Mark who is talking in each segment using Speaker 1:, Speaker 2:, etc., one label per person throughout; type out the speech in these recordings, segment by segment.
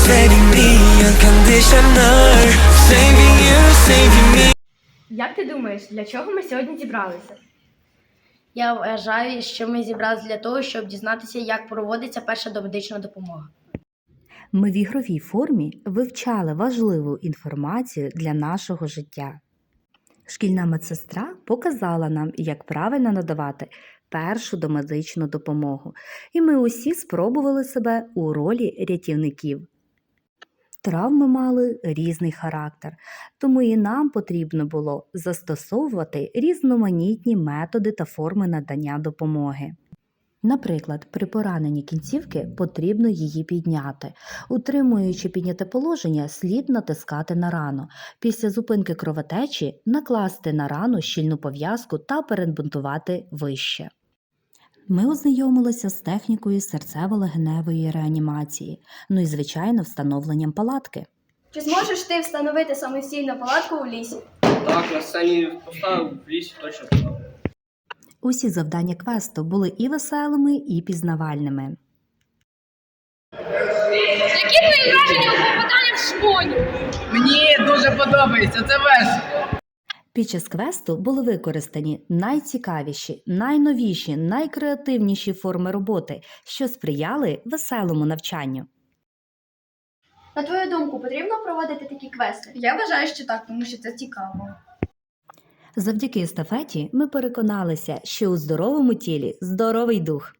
Speaker 1: saving me unconditional. Saving you, saving me.
Speaker 2: Як ти думаєш, для чого ми сьогодні зібралися?
Speaker 3: Я вважаю, що ми зібралися для того, щоб дізнатися, як проводиться перша домедична допомога.
Speaker 4: Ми в ігровій формі вивчали важливу інформацію для нашого життя. Шкільна медсестра показала нам, як правильно надавати першу домедичну допомогу, і ми усі спробували себе у ролі рятівників. Травми мали різний характер, тому і нам потрібно було застосовувати різноманітні методи та форми надання допомоги. Наприклад, при пораненні кінцівки потрібно її підняти. Утримуючи підняте положення, слід натискати на рану. Після зупинки кровотечі накласти на рану щільну пов'язку та перебинтувати вище. Ми ознайомилися з технікою серцево-легеневої реанімації, ну і, звичайно, встановленням палатки.
Speaker 2: Чи зможеш ти встановити самостійно палатку у лісі?
Speaker 5: Так, на сцені поставив, в лісі точно поставив.
Speaker 4: Усі завдання квесту були і веселими, і пізнавальними.
Speaker 6: Які твої враження у попаданні в школі?
Speaker 5: Мені дуже подобається, це весело.
Speaker 4: Під час квесту були використані найцікавіші, найновіші, найкреативніші форми роботи, що сприяли веселому навчанню.
Speaker 2: На твою думку, потрібно проводити такі квести? Я вважаю, що так, тому що це цікаво.
Speaker 4: Завдяки естафеті ми переконалися, що у здоровому тілі здоровий дух.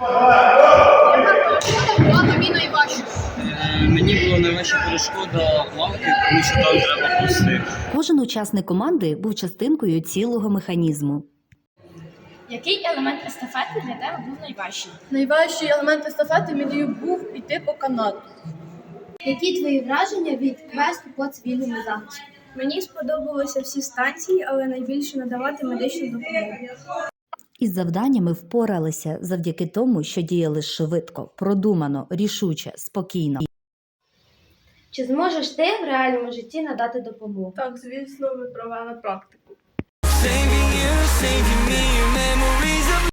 Speaker 5: Мені була найважча перешкода лавки, тому що там треба пусти.
Speaker 4: Кожен учасник команди був частинкою цілого механізму.
Speaker 2: Який елемент естафети для тебе був найважчий?
Speaker 7: Найважчий елемент естафети мені був іти по канату.
Speaker 2: Які твої враження від квесту по цивільному захисту? Мені сподобалися всі станції, але найбільше надавати медичну допомогу.
Speaker 4: Із завданнями впоралися завдяки тому, що діяли швидко, продумано, рішуче, спокійно.
Speaker 2: Чи зможеш ти в реальному житті надати допомогу?
Speaker 7: Так, звісно, ми провели практику.
Speaker 1: Saving you, saving me